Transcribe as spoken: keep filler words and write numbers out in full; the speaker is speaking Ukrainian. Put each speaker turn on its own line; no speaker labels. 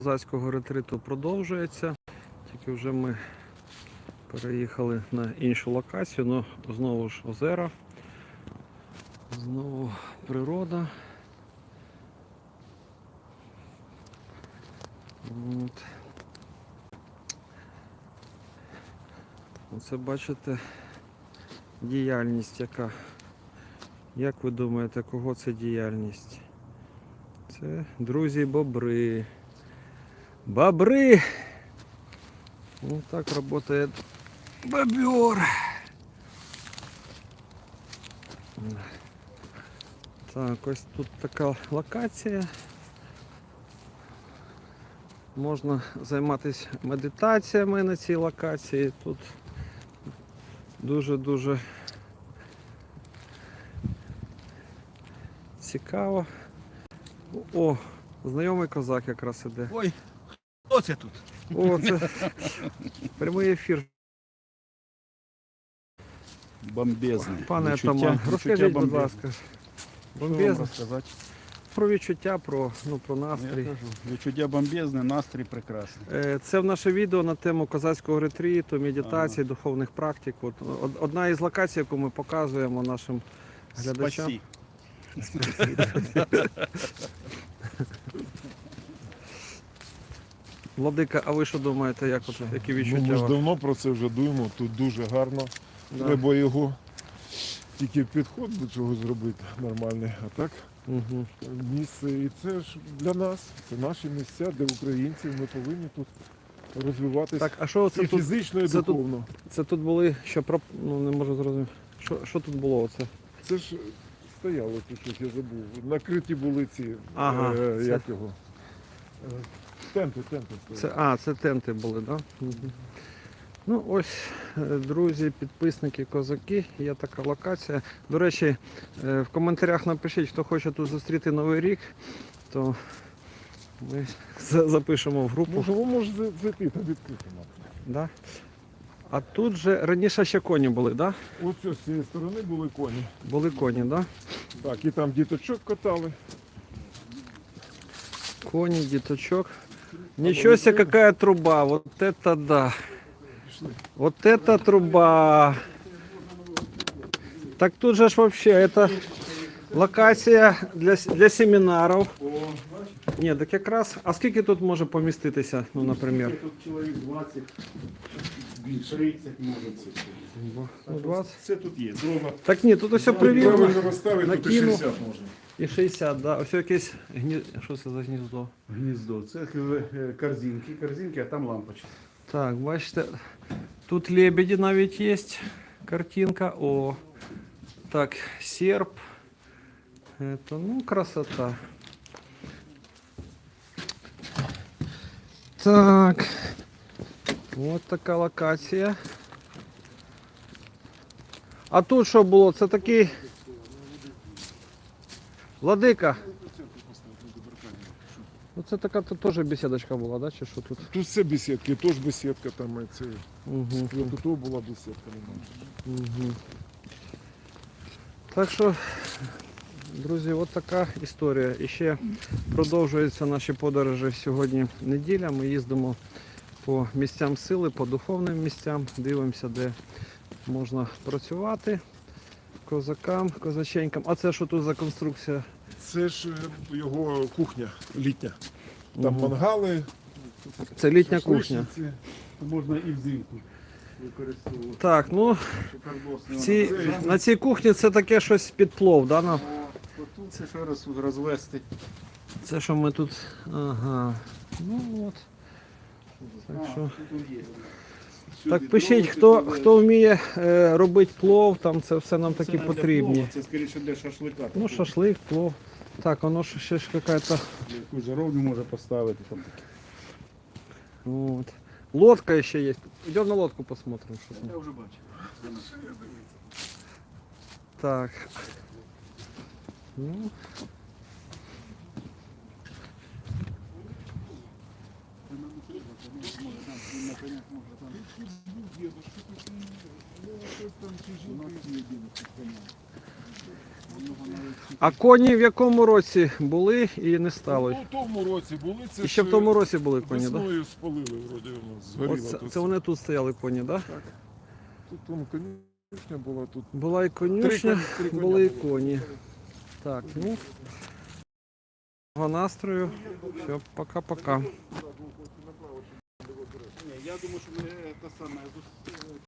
Козацького ретриту продовжується, тільки вже ми переїхали на іншу локацію, ну знову ж озера, знову природа. От. Оце бачите діяльність яка. Як ви думаєте, кого це діяльність? Це друзі-бобри. Бобры! Вот так работает бобер. Так, ось тут така локація. Можна займатися медитаціями на цій локації. Тут дуже-дуже цікаво. О, знайомий козак якраз іде.
Ой, хто це тут?
О, це прямий ефір.
Бомбезний.
Пане
Відчуття-
Атаман,
відчуття
розкажіть, будь
бомбезне.
ласка.
Що вам
Бомбезно.
розказати?
Про відчуття, про, ну, про
Я
настрій.
кажу, відчуття бомбезне, настрій прекрасний.
Е, Це в наше відео на тему козацького ретриту, медитації, духовних практик. От, од- одна із локацій, яку ми показуємо нашим глядачам.
Спасі.
Владика, а ви що думаєте, як от, які відчуття?
Ну, ми ж
у вас?
давно про це вже думаємо, тут дуже гарно.
Да.
Треба його тільки підход до цього зробити нормальний. А так
Угу.
місце і це ж для нас, це наші місця, де українці, ми повинні тут розвиватися
Так, а що
і
це тут?
фізично, і
це тут-
духовно.
Це тут були, що про... ну не можу зрозуміти. Що, що тут було оце?
Це ж стояло тут щось, я забув. Накриті були ці,
Ага,
е,
це-
як його? Е, Тенти, тенти стояли.
Це, а, це тенти були, так? Да? Угу. Ну ось, е, друзі, підписники, козаки, є така локація. До речі, е, в коментарях напишіть, хто хоче тут зустріти Новий рік, то ми за- запишемо в групу.
Може, ви можете зайти, там відкрито.
Да? А тут же раніше ще коні були, да?
Ось з цієї сторони були коні.
Були коні, да?
Так, і там діточок катали.
Коні, діточок. Ничего себе, какая труба, вот это да. Вот это труба. Так тут же ж вообще, это локація для, с- для семінарів. Ні, так якраз, а скільки тут може поміститися, ну, наприклад?
Тут чоловік двадцять, тридцять може це.
Ну, двадцять.
Це тут є. Дрова.
Так ні, тут все привірно.
Правильно розставити, тут і
Накинув.
шістдесят можна.
І шістдесят, да. Ось якесь гні... Що це за гніздо?
Гніздо. Це е, корзинки, корзинки, а там лампочки.
Так, бачите, тут лебеді навіть є. Картинка. О. Так, серп. Это, ну, красота. Так. Вот така локація. А тут що було? Це такий... Владика. Ну це така тут теж бесідочка була, да? Чи що тут?
Тут все бесідки, теж бесідка там. і Це...
Угу.
Тут була бесідка. немає.
Угу. Так що, друзі, от така історія. І ще продовжуються наші подорожі. Сьогодні неділя. Ми їздимо по місцям сили, по духовним місцям, дивимося, де можна працювати козакам, козаченькам. А це що тут за конструкція?
Це ж е, його кухня літня. Там
Мгм.
мангали,
Це літня кухня.
шашличниці.
Можна і взимку використовувати.
Так, ну
Шикардосний.
в цій, на цій кухні це таке щось під плов, да? ну?
Тут це ще раз розвести.
Це що ми тут. Ага. Ну от. Так
А,
що.
тут є.
Так
Сюди
пишіть,
дрова,
хто,
сюди-
хто вміє е, робити плов, там це все нам
Це
такі
не для
потрібні.
плова, Це скоріше для шашлика.
Ну, шашлик, плов. Так, воно ж ще ж якась.
Яку жаровню може поставити. Там.
От. Лодка ще є. Йдемо на лодку посмотрим. Що там.
Я вже бачив.
Так. Ну. А коні в якому році були і не стало?
Ну, в тому році були, це
І ще в
ж
тому році були коні, так? Да?
весною спалили, вроді воно згоріло.
Оце,
тут.
це вони тут стояли коні, так? Да?
Тут вон конюшня була, тут
Була і
три,
конюшня,
коні- три коня
були і
було.
коні. Так, ну. Настрою. Все, пока-пока.
Я думаю, що ми те саме